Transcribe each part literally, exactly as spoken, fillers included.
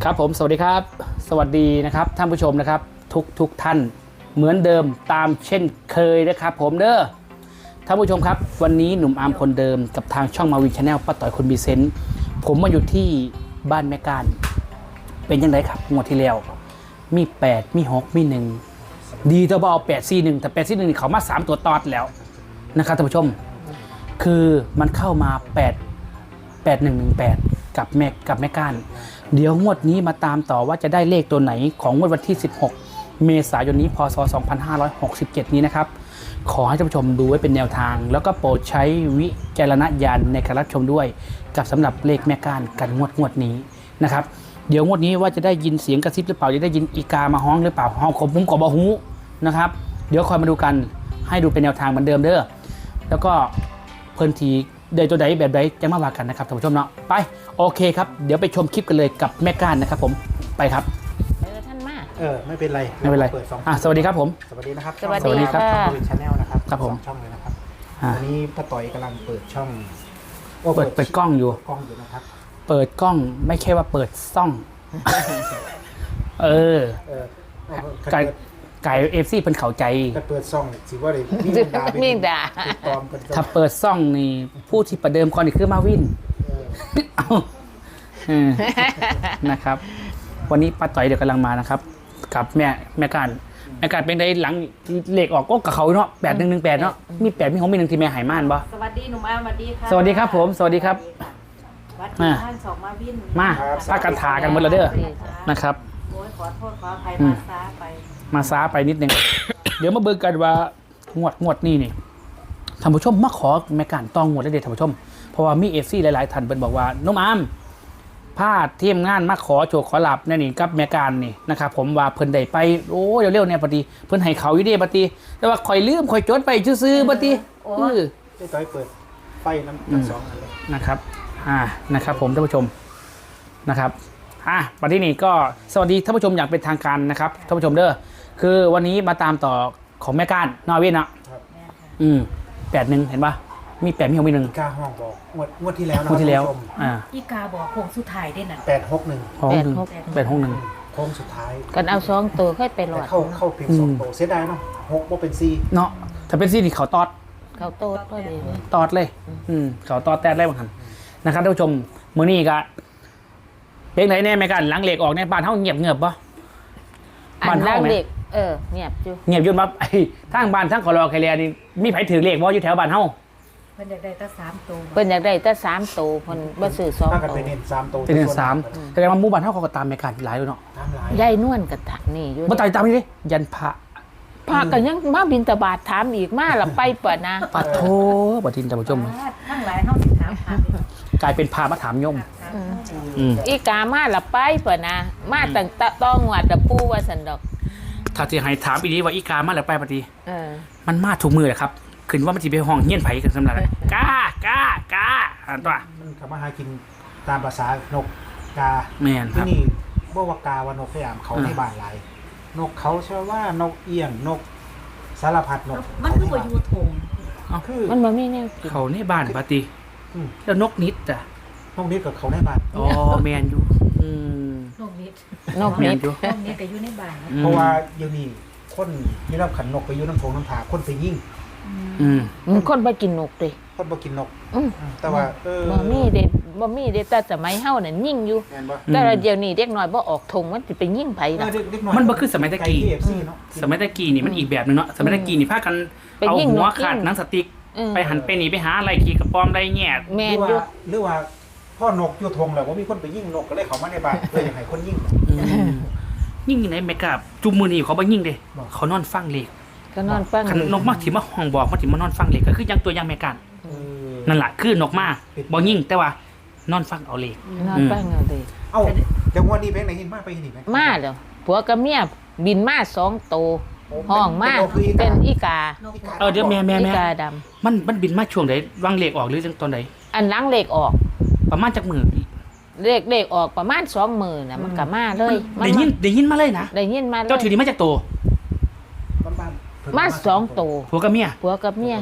ครับผมสวัสดีครับสวัสดีนะครับท่านผู้ชมนะครับทุกทุกท่านเหมือนเดิมตามเช่นเคยนะครับผมเด้อท่านผู้ชมครับวันนี้หนุ่มอาร์มคนเดิมกับทางช่องมาวินชาแนลป้าต่อยคนมีเซนต์ผมมาอยู่ที่บ้านแม่การเป็นยังไงครับงวดที่แล้วมีแปดมีหกมีหนึ่งดีแต่ว่าเอาแปดสี่หนึ่งแต่แปดสี่หนึ่งเขามาสามตัวตอดแล้วนะครับท่านผู้ชมคือมันเข้ามาแปดแปดหนึ่งหนึ่งแปดกับแม่กับแม่การเดี๋ยวงวดนี้มาตามต่อว่าจะได้เลขตัวไหนของงวดวันที่สิบหกเมษายนนี้พศสองพันห้าร้อยหกสิบเจ็ดนี้นะครับขอให้ท่านผู้ชมดูไว้เป็นแนวทางแล้วก็โปรดใช้วิจารณญาณในการรับชมด้วยกับสำหรับเลขแม่การกันงวดงวดนี้นะครับเดี๋ยวงวดนี้ว่าจะได้ยินเสียงกระซิบหรือเปล่าจะได้ยินอีกามาฮ้องหรือเปล่าฮ้องผมผมกอบหูนะครับเดี๋ยวคอยมาดูกันให้ดูเป็นแนวทางเหมือนเดิมเด้อแล้วก็เพิ่นทีเดี๋ยวตัวใดแบบใดจะมาว่ากันนะครับท่านผู้ชมเนาะไปโอเคครับเดี๋ยวไปชมคลิปกันเลยกับแม่ก้านนะครับผมไปครับเออท่านมาเออไม่เป็นไรไม่เป็นไรเปิดสองอ่ะสวัสดีครับผมสวัสดีนะครับสวัสดีครับช่องวินชาแนลนะครับครับผมสองช่องเลยนะครับอ่ะวันนี้ป้าต่อยกำลังเปิดช่องโเปิดเปิดกล้องอยู่กล้องอยู่นะครับเปิดกล้องไม่ใช่ว่าเปิดซ่องเออเออไก่ไก่เอฟซีเพิ่นเข้าใจถ้าเปิดช่องสิว่าเลยมีดามีดาติดตอมกันถ้าเปิดซ่องนี่ผู้ที่ประเดิมก่อนนี่คือมาวินเออเอาเออนะครับ วันนี้ป้าต่อยเดี๋ยวกำลังมานะครับ กับแม่แม่การแม่การเป็นได้หลังเลขออกก็กับเขาเนาะแปดหนึ่งหนึ่งแปดเนาะมีแปดมีของมีหนึ่งที่แม่หายม่านบ่สวัสดีหนุ่มอาร์มสวัสดีค่ะสวัสดีครับผมสวัสดีครับวัดที่ท่านสองมาวินมาพากันถากันหมดแล้วเด้อนะครับโอ้ยขอโทษขออภัยอืมาม ซาไปมาซ้าไปนิดนึง เดี๋ยวมาเบิ่งกันว่างวดงวดนี่นี่ท่านผู้ชมมาขอแม่การต้องงวดได้เด็ดท่านผู้ชมเพราะว่ามีเอฟซีหลายๆท่านเพิ่นบอกว่าน้องอามพาดทีมงานมาขอโชคขอลาบนี่นี่กับแม่การนี่นะครับผมว่าเพิ่นได้ไปโอ้เร็วๆเนี่ยปฏิเพิ่นให้เขาอยู่เด้ปฏิแต่ว่าข่อยลืมข่อยจดไปซื่อๆปฏิเออป้าต่อยเปิดไฟน้ำทั้งสองอันเลยนะครับอ่านะครับผมท่านผู้ชมนะครับอ่ะวันที่นี่ก็สวัสดีท่านผู้ชมอย่างเป็นทางการนะครับท่านผู้ชมเด้อคือวันนี้มาตามต่อของแม่ก้านนอร์เวย์นะครับ อืมแปดหนึ่งเห็นปะมีแปดมีหกมีหนึ่งกาห้องบอกงวดงวดที่แล้วนะงวดที่แล้วท่านผู้ชมอ่าอีกาบอกโค้งสุดท้ายได้น่ะแปดหกหนึ่งหกหนึ่งแปดหกหนึ่งโค้งสุดท้ายกันเอาสองตัวค่อยไปหลแต่อดเข้าเข้าเพียงสองโตเสียดายเนาะหกว่าเป็นซีเนาะถ้าเป็นซี่นี่เขาตอดเขาโตดก็ดีเลยตอดเลย อืมเขาตอดแตดเลยบางครั้งนะครับท่านผู้ชมมื้อนี้ก็เป็นไหนแน่แม่ก้านหลังเหล็กออกในบ้านเฮาเงียบเงียบปะอับ้านนเฮาล่างไหมเด็กเออเงียบอยู่เงียบอยุ่นมาไอ้ทางบ้านทางขอรอใครเรียนี่มีไผถือเลขบ่อยู่แถวบ้านเฮาเพิ่นอยากได้ตั้งสามตัวเพิ่นอยากได้แต่สามตัวเพิ่นบ่ซื้อสองถ้ากันตัวไปเน้นสามโตเป็นเดือนสามแสดงว่าหมู่บ้านเฮาเขาก็ตามแม่ก้านหลายอยู่เนาะตามหลายยายนวลก็ตักนี่อยู่บ่ตายตามนี่ดิยันพระพากันยังมาบินตบาทถามอีกมาละไปเปิดนะปัดโทบัดทินท่านผู้ชมทั้งหลายเฮาสิถามหากลายเป็นพามาถามโยม อืมอีกามาละไปเปิดนะมาตั้งแต่ต้องหวัดตะปูว่าสันดอกถ้าที่ให้ถามอีนี้ว่าอีกามาแล้วไปปฏิเออมันมาถูกมือแหละครับขึ้นว่ามันจะไปห้องเฮี้ยนไผ่กันสำหรับอะไรกากากาอันตัวมันกลับมาหากินตามภาษานกกาแม่นคที่รับนี่บ่ว่ากาว่านกพยายามเขาอ่าในบ้านหลายนกเขาเชื่อว่านกเอี้ยงนกสารพัดนกมันคือบ่อยู่ทงคือมันบ่มีแนวกินเขาในบ้านปฏิอืมแล้วนกนิดอ่ะนกนี้กับเขาในบ้านอ๋อแมนอยู่อืมนกนิดนกแมนินดอยู่นกนิดก็อยู่ในบ้านอืมเพราะว่าเดี๋ยวนี้คนมีรับขันนกไปอยู่น้ำทงน้ำถาคนไปยิ่งอืมมันคนบ่กินนกเด้คนบ่กินนกอืมอืมแต่ว่าเออบ่มีเด้บ่มีเด้แต่สมัยเฮานั่นยิ่งอยู่แม่นบ่แต่ว่าเดี๋ยวนี้เด็กน้อยบ่ออกทงมันสิไปยิ่งไผเอล่ะอเด็กๆหอยมันบ่คือสมัยตะกี้ไ เค เอฟ ซีเนาะสมัยตะกี้นี่มันอีกแบบหนึงเนาะสมัยตะกี้นี่พากันไปเอายิงหัวนกขาดยิงหนังสติ๊กเออไปหันไปหนีไปหาอะไรขี่กระป๋อมได้แง่แม่หนรืออยู่ว่าหรือว่าพ่อนกอยู่ทงแล้วว่ามีคนไปยิ่งนกก็เลยเขามาในบ้านเพื่ออยากให้คนยิ่งอืมยิ่งอยู่ไหนแม่กาจุมมือนี่เขาบ่ยิ่งเด้บอกเขานอนฟังเลขก็นอนฟังคันนกมากที่มาห้องบอกมาที่มานอนฟังเลขก็คือยังตัวอยังแม่กันเออนั่นแหละคือนกมาบ่ยิ่งแต่ว่านอนฟังเอาเลขนอนฟังเอาเด้เอ้าเดี๋ยววันนี้เพลงไหนหินมากไปหินอีกไหมมาแล้วผัวกับเมียบินมาสองโตวโอ้ห้องมาเป็นนกหรืออีกาเป็นอีกาเออเดี๋ยวแม่แม่อีแม่กาดำมันมันบินมาช่วงไหนวางเลขออกหรือจังตอนไหนอันหล้างเลขออกประมาณจักมือเลขเลขออกประมาณสองหมื่นน่ะมันก็มาเลยมัได้ยินได้ยินมาเลยนะได้ยินมาเลยเจ้าถือดีมาจากโตบ้านๆเพิ่นมาสองโตวผัวกับเมียผัวกับเมียโ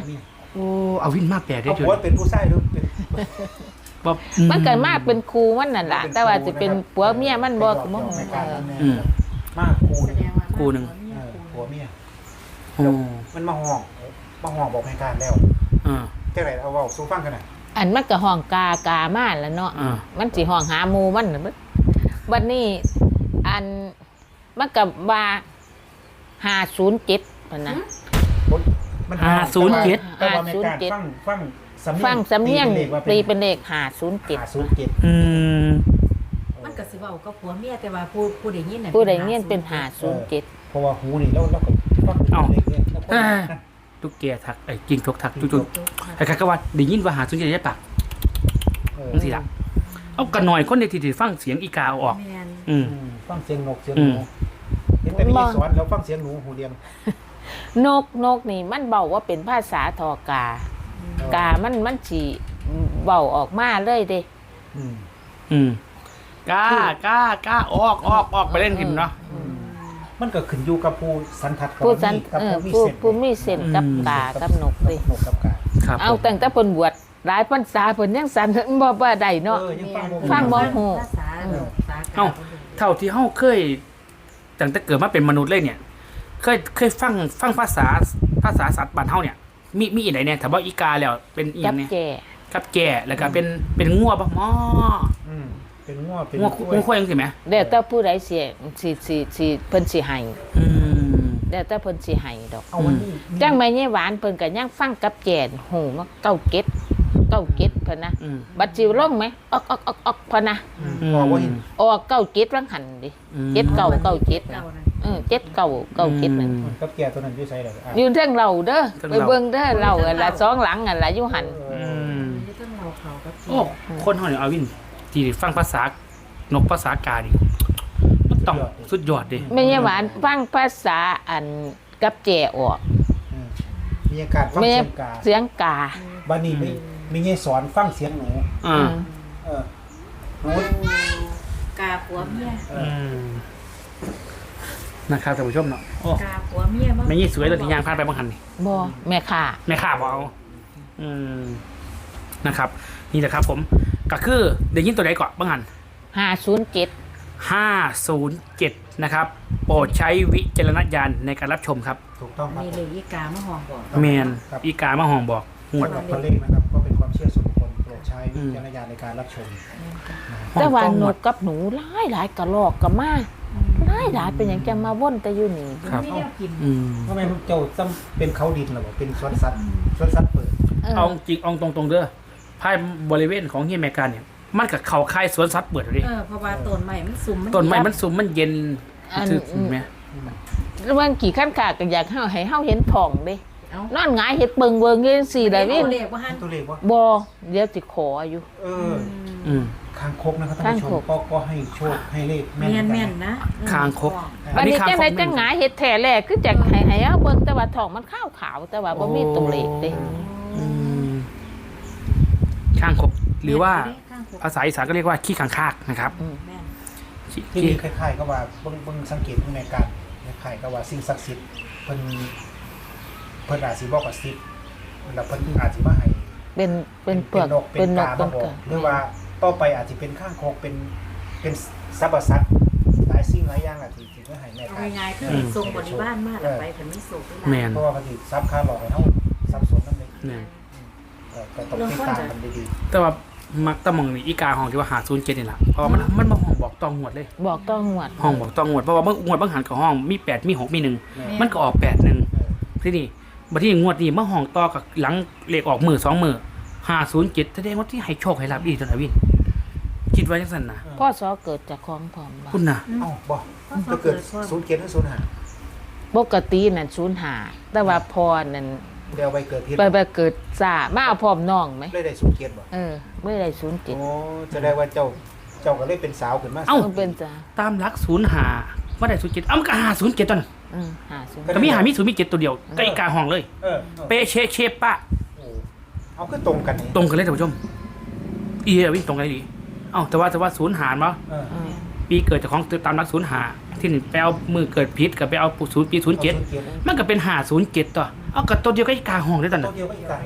โอ้เอาวินมาแปลกได้เอาจุดผัวเป็นผู้ชายหรือเป็นบ่มันเกิดมาเป็นครูมันนั่นล่ะแต่ว่าจะเป็นผัวเมียมันบ่ก็บ่ไม่กเอล้าอทำแน่อืมมากครูแสเนี่ยดงว่าคู่หนึ่งเออผัวเมียโอ้มันมาห้องมาห้องบอกให้การแล้วอ่าจังไรเอาเว้าสู้ฟังกันน่ะอันมันก็ห้องกากามาแล้วเนาะอ่ามันสิห้องหาหมู่มันน่ะบัดบัดนี้อันมันก็ว่าห้าศูนย์เจ็ดพุ่นน่ะมันห้าศูนย์เจ็ดแต่ว่าไม่การห้าศูนย์เจ็ดฟังฟังสำเนียงฟังสำเนียงตีตีเป็เป็น นเลขเลขห้าศูนย์เจ็ดห้าศูนย์เจ็ดอืมมันก็สิเว้ากับผัวเมียแต่ว่าผู้ผู้ใดยินน่ะผู้ใดเงียนเป็นห้าศูนย์เจ็ดเพราะว่าหูนี่แล้วแล้วก็ฟังเลขเนี่ยแล้วก็อ่าทุกแกทักไอ้กินทกทักจุดๆใครๆก็ว่าได้ยินว่าหาสุนทรได้ปากเออจังซี่ล่ะเอากันหน่อยคนในที่ที่ฟังเสียงอีกาเอาออกแม่นอืมอืมฟังเสียงนกเสียงอืหมนูเห็นแต่พี่สอนแล้วฟังเสียงหนูหูเดียมนกนกนี่มันเบาว่าเป็นภาษาทอกา กามันมันสิเบาออกมาเลยเด้อืมอืมกล้ากล้ากล้าออกออกออกไปเล่นกินเนาะมันก็ขึ้นอยู่กับผู้สันทัดกับผู้สันกับเออผู้มีผู้เส้นผู้มีเส้นกับอืมกากับนกเด้นกกับกาครับเอาตั้งแต่เพิ่นบวชหลายพรรษาเพิ่นยังสันบ่บ่ได้เนาะเออยังฟังฟังบ่ ฮู้ภาษาภาษากาเอ้าเท่าที่เฮาเคยตั้งแต่เกิดมาเป็นมนุษย์เลยเนี่ย เคยเคยฟังฟังภาษาภาษาสัตว์บ้านเฮาเนี่ย มีมีอีไหนเนี่ยถ้าว่าอีกาแล้วเป็นอีหจัยับงเนี่ยแก่กับแก่แล้วก็เป็นเป็นงัวปะหมออืมเป็นง้อเป็นงัวกล้งัวควายจังซี่แหมแล้วแต่ผู้ใดสิสิสิสิเพิ่นสิให้อืมแล้วแต่เพิ่นสิให้ดอกเอาวันนี้จังแม่ยายหวานเพิ่นก็ยังฟังกับแก่นหูมาเก้าเก็ดเก้าเก็ดเพิ่นนะอืมบัดจิวลงไหมออกออกออกออกพะนะอืมบอกว่าเห็นออกเก้าเก็ดวังหันดิอืมเจ็ดเก้าเก้าเจ็ดเก่านะนั่นเออเจ็ดเก้าเก้าเจ็ดนั่นอืมกับแกตัวนั้นอยู่ไสแล้วอ่ะอยู่เทิงเราเด้อเทิงไปเราเบิ่งเด้อเราอันละสองหลังอันละอยู่หันเออือมอยู่ต้องเราเขากับโอ้คนเฮาเนี่ยเอาวินที่ฟังภาษานกภาษากาดิมันต้องสุดยอดดิแม่ยายหวานฟังภาษาอันกับแจออกอืมมีอาการฟังแม่เสียงกาเสียงกาบ้านนี้ไม่ไม่ใช่สอนฟังเสียงหนูอ่าเออหนูกาผัวเมียเออือมนะครับท่านผู้ชมเนาะโอ้กาผัวเมียไม่ยี่สวยตัวที่ยางพานไปบางหันนี่บ่แม่ค่ะแม่ข้าบเอาอืมนะครับ นี่แหละครับผมก็คือเดี๋ยวยินตัวใดก่อนบางหันห้าศูนย์เจ็ดห้าศูนย์เจ็ดนะครับ โปรดใช้วิจารณญาณในการรับชมครับถูกต้องครับมีเลยอีกามาห้องบอกแมนครับอีกามาห้องบอกหวดสำหรับตัวเลขนะครับก็เป็นความเชื่อส่วนบุคคลโปรดใช้วิจารณญาณในการรับชมแต่ว่าห้องนหวกดกับหนูหลายหลายกระลอกกระมาหลายหลายเป็นอย่างจะมาว่นแต่อยู่นี่ครับไม่ได้กินอืมทำไมเจ้าต้องเป็นเขาดินหรอเป็นสวนสัตว์สวนสัตว์เปิดเออเอาจริงเอาตรงๆเด้อภายบริเวณของเฮียแมการเนี่ย มันกับเขาค่ายสวนสัตว์เปิดเลยเออเพราะว่าต้นใหม่มันสุ่มต้นไม้มันสูงมันเย็นอันถือถูกไหมเมื่อกี่ขั้นกาก็อยากให้เฮาให้เฮาเห็นท้องเด้เอ้านอนหงายเฮ็ดเบิ่งเบิ่งเงี้ยสี่ได้วินเรียกว่าหันตัวเลขว่าบ่เดี๋ยวสิขออยู่เอออืมคางคกนะครับท่านผู้ชคางคมกก็ก็ให้โชคให้เลขแม่แม่นนเหมืแม่อนนกันนะคางคกวันนี้อัจังได๋คจังหงายเฮ็ดแท้แรกคือจักให้ให้เฮาเบิ่งแต่ว่าท้องมันขาวๆแต่ว่าบ่มีตัวเลขเด้อืมข้างคกหรือว่าข้างคกภาษาอีสานก็เรียกว่าขี้ขังคากนะครับอืมแม่นขี้ที่คล้ายๆก็ว่าเบิ่งเบิ่งสังเกตข้างในการคล้ายๆก็ว่าสิ่งศักดิ์สิทธิ์เพิ่นเพิ่นอาจสิบอกกับสิทธิ์แล้วเพิ่นอาจสิมาให้เป็นเป็นเปลือกนกเป็เป็น นนกากเป็มาน บอกเกิดหรือว่าต่อไปอาจจะเป็นข้างคกเป็นเป็นสรรพสัตว์หลายสิ่งหลายอย่างอาจจะที่เพื่อให้แม่เอาการง่ายๆคือให้ส่งบริวารมาแล้วไปเพิ่นมีสุขแมนเพราะว่าเขาสิซับค่าหลอกให้เฮาซับสนนั่นเองแมนเออก็ต้องติดตามกันดีแต่ว่ามักตะมองนี่อีกาห้องที่ว่าหาศูนย์เจ็ดนี่แหละเพราะว่ามันมันมาห้องบอกตองหวดเลยบอกต้องหวดห้องบอกตองหวดเพราะว่าบางงวดบางหันกับห้องมีแปดมีหกมีหนึ่งๆแม่มันก็ออกแปดหนึ่งเออที่นี่บัดที่งวดนี้มาห้องต่อกับหลังเลขออกมือสองมือห้าศูนย์เจ็ดแสดงว่าที่ให้โชคให้รับอีกตัวนะวิน คิดว่าจังสันนะพ่อสอเกิดจากของพร้อมบ่คุณน่ะเอ้าบ่จะเกิดศูนย์เกียรติหรือศูนย์หาปกตินั่นศูนย์หาแต่ว่าพอนั่นเดี๋ยวไปเกิดที่ไปไปเกิดซามาเอาพร้อมน้องไหมได้ได้ศูนย์เกียรติบ่เออไม่ได้ศูนย์เจ็ดโอ้จะได้ว่าเจ้าเจ้าก็เลยเป็นสาวขึ้นมาเอ้ามันเป็นจ้าตามหลักศูนย์หาว่าได้ศูนย์เจ็ดเอ้ามันก็หาศูนย์เจ็ดตอนนั้นอืมหาศูนย์ก็มีหามีศูนย์มีเจ็ดตัวเดียวก็อีกาห้องเลยเออเออเปเชเชปะโอ้เอาคือตรงกันนี่ตรงกันเลยท่านผู้ชมอีเอวิ่งตรงกันเลยดีเอ้าแต่ว่าแต่ว่าศูนย์หารมั้เอออืมปีเกิดจากของตามหลักศูนย์หาที่หนึ่งไปเอามือเกิดพิษกับไปเอาศูนย์ปีศูนย์เจ็ดอาศูนย์เกียรติมันก็เป็นหาศูนย์เจ็ดต่อเอากับตัวเดียวก็อีกาห้องได้ตอนตันั้วน เดียวก็อีกต่างหาก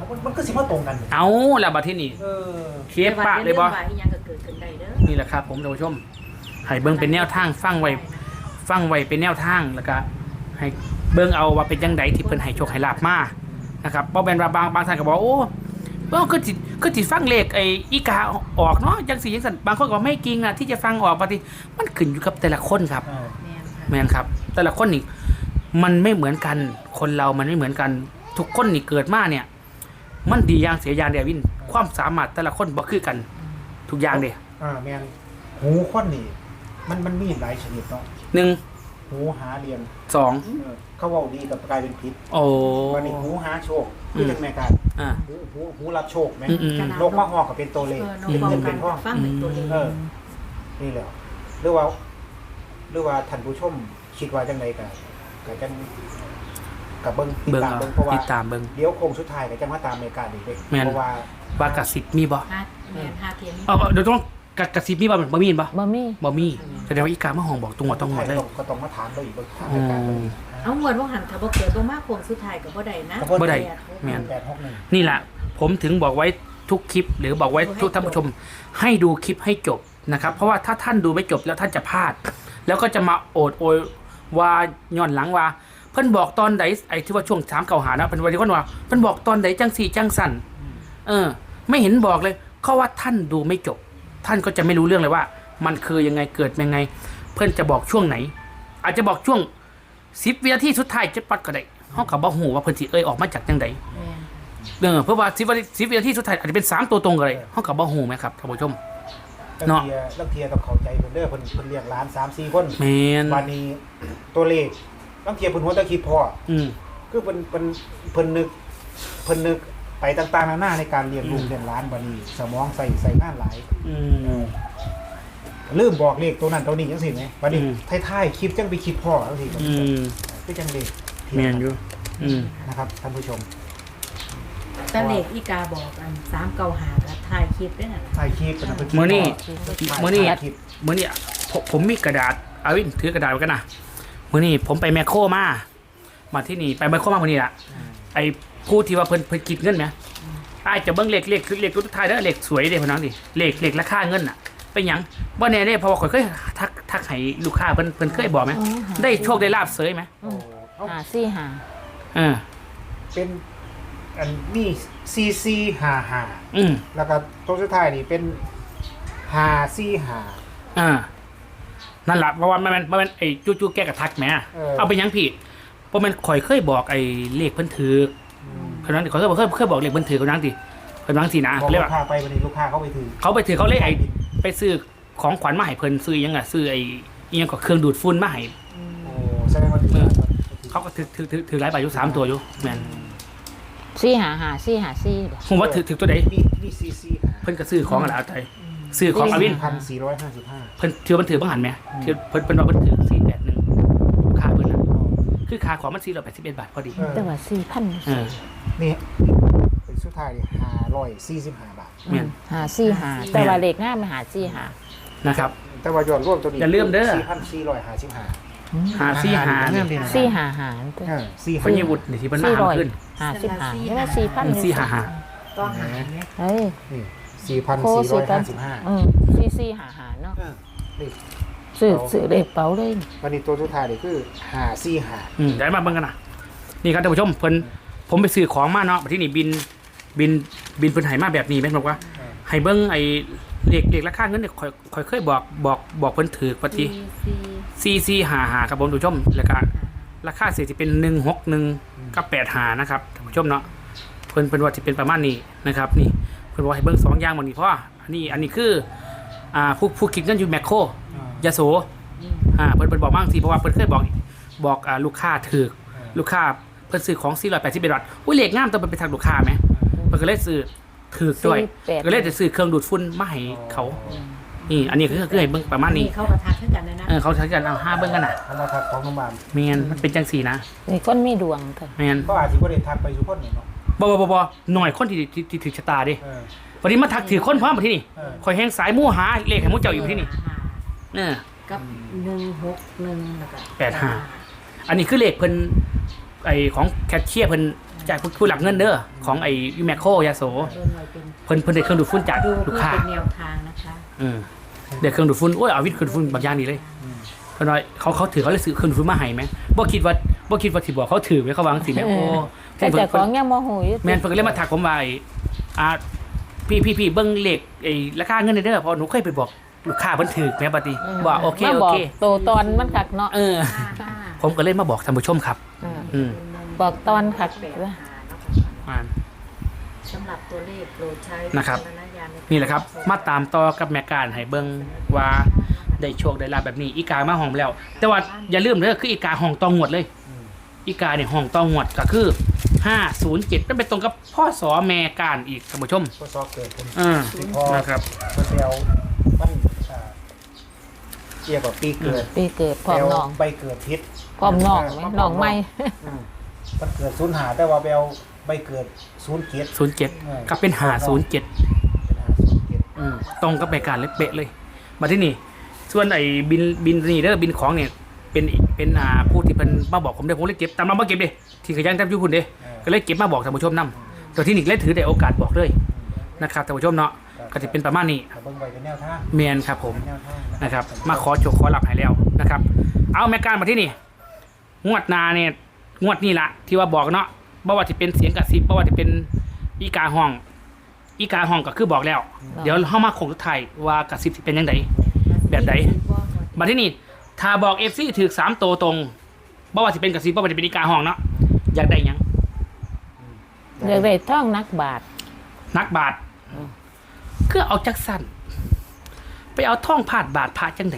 มันมันก็สิมาตรงกันเอาแล้วบัดที่นี่เออเคสปะเลยบ่แต่ว่าอีหยังก็เกิดขึ้นได้เด้อนี่แหละครับผมท่านผู้ชมให้เบิ่งเป็นแนวทางฟังไว้ฟังไว้เป็นแนวทางแล้วก็ให้เบิ่งเอาว่าเป็นจังไดที่เพิ่นให้โชคให้ลาบมานะครับบ่แม่นว่าบางบางท่านก็บอกโอ้เบิ่งคือสิคือสิฟังเลขไอ้อีกาออกเนาะจังซี่จังซั่นบางคนก็ไม่จริงอ่ะที่จะฟังออกปฏิมันขึ้นอยู่กับแต่ละคนครับเออแม่นค่ะแม่นครับ แต่ละคนนี่มันไม่เหมือนกันคนเรามันไม่เหมือนกันทุกคนนี่เกิดมาเนี่ย มันดีอย่างเสียอย่างเดียววินความสามารถแต่ละคนบ่คือกันทุกอย่างเด้อ่าแม่นหูคนนี่มันมันมีหลายชนิดเนาะหนึ่งหูหาเรียนสองเออเขาเว้าดีกับกลายเป็นพิษโอ้วันนี้หูหาโชคคือจังแม่การอ่าหูหูหูรับโชคแม่อืมอืมโลกมาฮอกก็เป็นตัวเลขเออน้องเป็นบอกเงินกัเป็น นทองฟังเป็นตัวเลขเออ นี่แหละหรือว่าหรือว่าท่านผู้ชมคิดว่าจังไดก็ก็จังกับเบิ่งติดเบิ่งตามเอาเบิ่งเพราะว่าติดตามเบิ่งเดี๋ยวโค้งสุดท้ายก็จะมาตามในการอีกเด้แม่นเพราะว่าว่ากระสิบมีบ่ฮาแม่นฮาเทียมเอาเอาเดี๋ยวต้องกระกระสิบมีบ่บ่มีบ่บ่มีบ่มีแสดงว่าอีกามาห้องบอกตรงหมดตรงหมดเลยก็ต้องมาถามเราอีกเบิ่งทางอืรายการมเอางวดว่าหันถ้าบ่เกิดบ่มาโค้งสุดท้ายก็บ่ได้นะบ่ได้แปหกแม่นแปดหกหนึ่งนี่แหละผมถึงบอกไว้ทุกคลิป หรือบอกไว้ทุกท่านผู้ชม ให้ดูคลิปให้จบนะครับ เพราะว่าถ้าท่านดูไม่จบแล้วท่านจะพลาด แล้วก็จะมาโอดโอยว่าย้อนหลังว่า เพิ่นบอกตอนใดไอ้ที่ว่าช่วงสามเก่าหานะเพิ่นว่าที่คนว่าเพิ่นบอกตอนใดจังสี่จังสั่นเออ ไม่เห็นบอกเลยเพราะว่าท่านดูไม่จบ ท่านก็จะไม่รู้เรื่องเลยว่า มันคือยังไงเกิดยังไง เพิ่นจะบอกช่วงไหน อาจจะบอกช่วงสิบวินาทีสุดท้ายจะปัดก็ได้เฮาก็บ่ฮู้ว่าเพิ่นสิเอ่ยออกมาจากจังใดแม่นเออเพราะว่าสิบวิสิบวินาทีสุดท้ายอาจจะเป็นสามตัวตรงกันเลยเฮาก็บ่ฮู้ไหมครับท่านผู้ชมลังเนาะเทียลังเทียต้องเข้าใจเพิ่นเด้อเพิ่นเพิ่นเรียกหลานสามสี่คนแม่นวันนี้ตัวเลขลังเทียเพิ่นหัวตะคิดพออืมคือเพิ่นเพิ่นเพิ่นนึกเพิ่นนึกไปต่างๆนานาในการเรียนลูกเรียนหลานบัดนี้สมองใส่ใส่งานหลายอืมลืมบอกเลขตัวนั้นตัวนี้จังซี่แหมบัดนี้อืมท้ายๆคลิปจังไปคิดพ่อจังซี่อืมคือจังเลขแม่นอยู่อืมนะครับท่านผู้ชมแต่เลขอีกาบอกอันสามเก้าหาก็ถ่ายคลิปด้วยน่ะถ่ายคลิปเป็นเพิ่นคิดมื้อนี้พ่อมื้อนี้ถ่ายคลิปมื้อนี้ผมผมมีกระดาษเอาวินถือกระดาษไว้กันนะมื้อนี้ผมไปแมคโครมามาที่นี่ไปแมคโครมามื้อนี้ล่ะไอ้ผู้ที่ว่าเพิ่นเพิ่นคิดเงินไหมอ้ายจะเบิ่งเลขเลขคือเลขตัวท้ายเด้อเลขสวยเด้พ่นน้องดิเลขเลขราคาเงินน่ะเป็นหยังบ่แน่เด้เพราะว่าข่อยเคยทักทักให้ลูกค้าเพิ่นเพิ่นเคยบอกไหมได้โชคได้ลาบเสยไหมโอ้เอ้าหาสี่หาเออเป็นอันนี้ซีซีห้าห้าอืมแล้วก็ตัวสุดท้ายนี่เป็นห้าซีห้าอ่านั่นแหละเพราะว่ามันมันมันไอ้จู้จู้แก้กระทักแหมเออเอาไปหยังผิดเพราะมันข่อยเคยบอกไอ้เลขเพิ่นถือคนนั้นข่อยเคยบอกเคยเคยบอกเลขเพิ่นถือคนนั้นดิคนนั้นสินะบอกเรียกลูว่ากค้าไปวันนี้ลูกค้าเขาไปถือเขาไปถือเขาเลขไอ้ไปซื้อของขวัญมาให้เพิ่นซื้อหยังอ่ะซื้อไอ้อิหยังก็เครื่องดูดฝุ่นมาให้โอ้แสดงว่าถือเออ เขาก็ถือถือถือถือหลายใบอยู่สามตัวอยู่แม่นสี่หาหาสี่หาสี่บ่ผมว่าถือถือตัวใดนี่นี่ซีซีเพิ่นก็ซื้อของอะไรเอาใจซื้อของอวินพันสี่ร้อยห้าสิบห้าเพิ่นถือมันถือบังหันไหมถือเพิ่นเพิ่นว่าเพิ่นถือสี่แปดหนึ่งค่าเพิ่นน่ะคือค่าของมันสี่ร้อยแปดสิบเอ็ดบาทพอดีแต่ว่าสี่พันเออนี่เป็นสุดท้ายห้าร้อยสี่สิบห้าบาทแม่นหาสี่หาแต่ว่าเลขง่ายมาหาสี่หานะครับแต่ว่ายอดรวมตัวนี้อย่าลืมเด้อสี่พันสี่ร้อยห้าสิบห้าหาซี่หาเงินดีนะสี่หาหาเออสี่เพิ่นยี่วุฒินี่ที่เพิ่นมาสี่หาร้อยขึ้นหาสิบหาใช่ไหมสี่พันสี่หาหาต้องหาเนี่ยเฮ้ยนี่สี่พันโคสี่ร้สี่อยพันห้าสิบห้าอืมสี่สี่หาหาเนาะนี่ซื้อซื้อเลขเป๋าเลยวันนี้ตัวสุดท้ายนี่คือห้าสี่ห้าอืมเดี๋ยวมาเบิ่งกันนะนี่ครับท่านผู้ชมเพิ่นผมไปซื้อของมาเนาะที่นี่บินบินบินเพิ่นให้มาแบบนี้แม่นบอกว่าให้เบิ่งไอ้เลขเลขราคาเงินเนี่ยค่อยค่อยเคยบอกบอกบอกเพิ่นถือปฏิสี่ซีซีหาหาครับผมท่านผู้ชมแล้วก็ราคาเสียจะเป็นหนึ่งหกหนึ่งกับแปดหานะครับท่านผู้ชมเนาะเพิ่นเพิ่นว่าจะเป็นประมาณนี้นะครับนี่เพิ่นว่าให้เบิ่งสองอย่างหมดนี่เพราะว่าอันนี้อันนี้คืออ่าผู้ผู้คิดเงินอยู่แมคโครยโสอ่าเพิ่นเพิ่นบอกบ้างสิเพราะว่าเพิ่นเคยบอกบอกอ่าลูกค้าถือลูกค้าเพิ่นซื้อของสี่ร้อยแปดสิบเอ็ดบาทอุ้ยเลขงามแต่มันเป็นทางลูกค้าไหมเพิ่นก็เลยซื้อถือด้วยแปดก็เลยจะซื้อเครื่องดูดฝุ่นมาให้เขานี่อันนี้คือคือให้เบิ่งประมาณนี้เขากระทักขึ้นกันนะนะเออเขาใช้กันเอาห้าเบิ่งกันน่ะเอามาทักของโรงพยาบาลแมนมันเป็นจังสี่นะมีคนมีดวงเถอะแมนก็อาจจะไม่ได้ทักไปทุกคนเนาะบอบอบอบหน่อยคนที่ที่ที่ถือชะตาดิเออวันนี้มาทักถือคนพร้อมมาที่นี่เออคอยแห้งสายมู่หาเลขให้มู่เจ้าอยู่ที่นี่หาเออกับหนึ่งหกหนึ่งแล้วก็แปดห้า อันนี้คือเลขเพิ่นไอของแคชเชียร์เพิ่นจากผู้ผู้หลักเงินเด้อของไอ้ยูแมคโคยาโสเบิ่งไว้เป็นเพิ่นเพิ่นได้เครื่องดูดฝุ่นจากดูลูเพื่กอค้าเป็นแนวทางนะคะอืมเดี๋ยวเครื่องดูดฝุ่นโอ้ยเอาวิทย์เครื่องดูดฝุ่นบางอย่างนี่เลยอืมเพราะน้อยเขาเขาถือเขาเลยซื้อเครื่องดูดฝุ่นมาให้ไหมบ่คิดว่าบ่คิดว่าสิบอกเขาถือไว้เขาวางสิแม่โอ้แต่เจ้าของยังโมโหอยู่แม่นเพิ่นก็เลยมาทักผมว่าไอ้อ่าพี่พี่พี่เบิ่งเลขไอ้ราคาเงินเด้อเพราะหนูเคยไปบอกลูกค้าเพิ่นถือแม่ปฏิว่าโอเคมาโอบอเคกโตตอนมันคักเนาะเออ ผมก็เลยมาบอกท่านผู้ชมครับอืมอืมบอกตอนคักอ่าสำหรับตัวเลขโปรดใช้นะครับวิจารณญาณใกนี่แหละครับ มาตามต่อกับแม่การให้เบิ่งว่าได้โชคได้ลาบแบบนี้อีกามาห้องแล้ว แต่ว่าอย่าลืมเด้อคืออีกาห้องตองหวดเลยอืมอีกาเนี่ยห้องตองหวดก็คือห้าศูนย์เจ็ดมันเป็นตรงกับพ่อสอแม่การอีกท่านผู้ชมก็ซอกเกิดเป็นอ่าที่พอนะครับเพิ่นไปเอามันอ่าเกี่ยวกับปีเกิดปีเกิดพร้อมน้องใบเกิดพิษพร้อมน้องไหมน้องใหม่อืมมันเกิดศูนย์หาแต่ว่าไปเอาใบเกิดศูนย์เกียรติศูนย์เจ็ดก็เป็นหาศูนย์เจ็ดเป็นหาศูนย์เกียรติอืมตรงกับรายการเลยเป๊ะเลย มาที่นี่ ส่วนไอ้บินบินนี่เด้อบินของเนี่ยเป็นเป็นอ่าผู้ที่เพิ่นมาบอกผมเด้อผมเลยเก็บตามเรามาเก็บเด้ที่ขยันทำอยู่พุ่นเด้ก็เลยเก็บมาบอกท่านผู้ชมนำตัวที่นี่เลยถือได้โอกาสบอกเลยนะครับท่านผู้ชมเนาะก็จะเป็นประมาณนี้แต่เบิ่งไว้เป็นแนวทางเมียนครับผมเป็นแนวทางนะครับ มาขอโชคขอหลับให้แล้วนะครับ เอาแม่การมาที่นี่งวดหนาเนี่ยงวดนี่ละที่ว่าบอกเนาะบ่ว่าจะเป็นเสียงกระซิบบ่ว่าจะเป็นอีกาห้อง อีกาห้องก็คือบอกแล้ว เดี๋ยวเข้ามาคงทุกไทายว่ากระซิบสิเป็นยังไง แบบใด มาที่นี่ถ้าบอกเอฟซีถือสามตัวตรงบ่ว่าจะเป็นกระซิบบ่ว่าจะเป็นอีกาห้องเนาะอยากได้หยังเรียกได้ท่องนักบาทนักบาทคือเอาจักสันไปเอาท่องผาดบาทพระจังได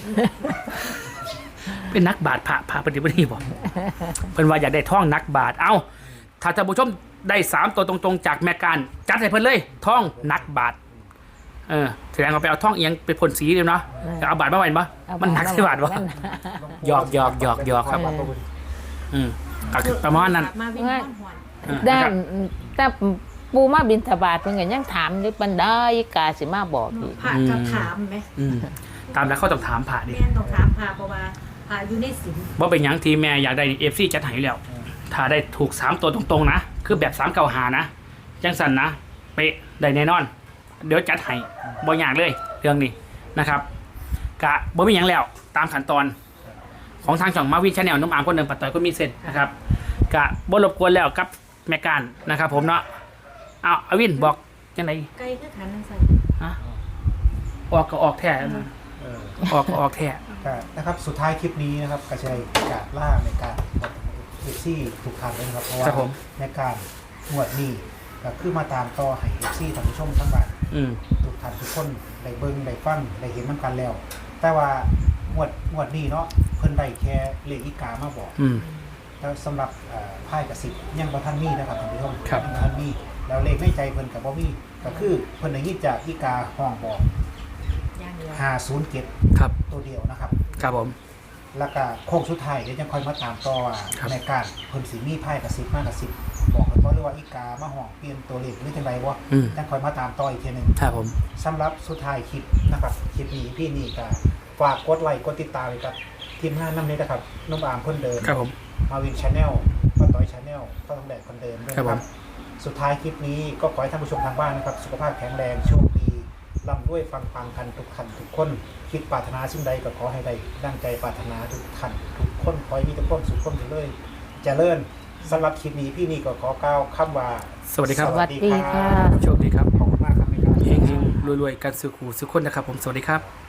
เป็นนักบาทพระพระปฏิบัติบอกเพิ่นว่าอยากได้ท่องนักบาทเอ้าถ้าท่านผู้ชมได้สามตัวตรงๆจากแม่การจัดให้เพิ่นเลยท่องนักบาทเออแสดงว่าไปเอาท่องเอียงไปพ่นสีเลยเนาะแต่เอาบาทมาไว้บ่มันหนักสิบาทวะหยอกหยอกหยอกหยอกครับ อืมก็คือประมาณนั้นมาวิ่งห้อนหวนอืมด้านะครันบแต่ปูมาบินทบาทเพิ่นก็ยังถามอยู่ปันได้กาสิมาบอกอีกผ่าก็ถามไหมอืมตามแล้วเขาต้องถามผ่าดิแม่นต้องถามผ่าเพราะว่าผ่าอยู่ในศีลว่าเป็นหยังทีแม่อยากได้เอฟซีจัดให้แล้ว ถ้าได้ถูกสามตัวตรงๆนะ คือแบบสามเก่าหานะจังสันนะ เป๊ะได้แน่นอน เดี๋ยวจัดให้บ่อยากเลย เรื่องนี้นะครับกะบ่มีหยังแล้ว ตามขั้นตอน ของทางช่องมาวินชาแนลน้องอามคนหนึ่งปัดต่อยก็มีเส้นนะครับกะบ่รบกวนแล้วกับแม่การนะครับ ผมเนาะเอาอาวินบอกจังไดไกลคือขันนั่นใส่ฮะออกก็ออกแท้นะเออออกก็ออกแท้ก็นะครับสุดท้ายคลิปนี้นะครับกระชัยกาดล่าในการเอฟซีถูกทางเลยนะครับเพราะว่าครับผมในการงวดนี้ก็คือมาตามต่อให้เอฟซีท่านผู้ชมทั้งบ้านอืมทุกท่านทุกคนได้เบิ่งได้ฟังได้เห็นมันกันแล้ว แต่ว่างวดงวดนี้เนาะเพิ่นได้แค่เลขอีกามาบอกอืมแล้วสำหรับเอ่อไพ่กระสิบยังบ่ทันมีนะครับท่านผู้ชมครับยังบ่ทันมีแล้วเลขในใจเพิ่นกับบ่มีก็คือเพิ่นได้ยินจากอีกาห้องบอกย่างเดียวห้าศูนย์เจ็ดครับตัวเดียวนะครับครับผมแล้วก็โค้งสุดท้ายเดี๋ยวจะค่อยมาตามต่อว่าครับในการเพิ่นสิมีไพ่กระสิบมากกระสิบบอกกันบ่หรือว่าอีกามาห้องเปลี่ยนตัวเลขหรือจังไดบ่อืมจังค่อยมาตามต่ออีกทีหนึงครับผมสำหรับสุดท้ายคลิปนะครับคลิปนี้พี่นี่ก็ฝากกดไลค์กดติดตามเลยครับทีมงานน้ำนี้นะครับนุ่มอามคนเดิมครับผมมาวินชาแนลป้าต้อยชาแนลป้าต้องแดดคนเดิมด้วยครับนะคผรัมบสุดท้ายคลิปนี้ก็ขอให้ท่านผู้ชมทางบ้านนะครับ สุขภาพแข็งแรงโชคดีร่ำด้วยฟังฟังกันทุกท่านทุกคนคิดปรารถนาสิ่งใดก็ขอให้ได้ดังใจปรารถนาทุกท่านทุกคนขอให้มีแต่ความสุขความเจริญเจริญสำหรับคลิปนี้พี่นี่ก็ขอกล่าวคำว่าสวัสดีครับสวัสดีค่ะโชคดีครับขอบคุณมากครับในการเฮงๆรวยๆกันสุขหูสุขคนนะครับผม สวัสดีครับ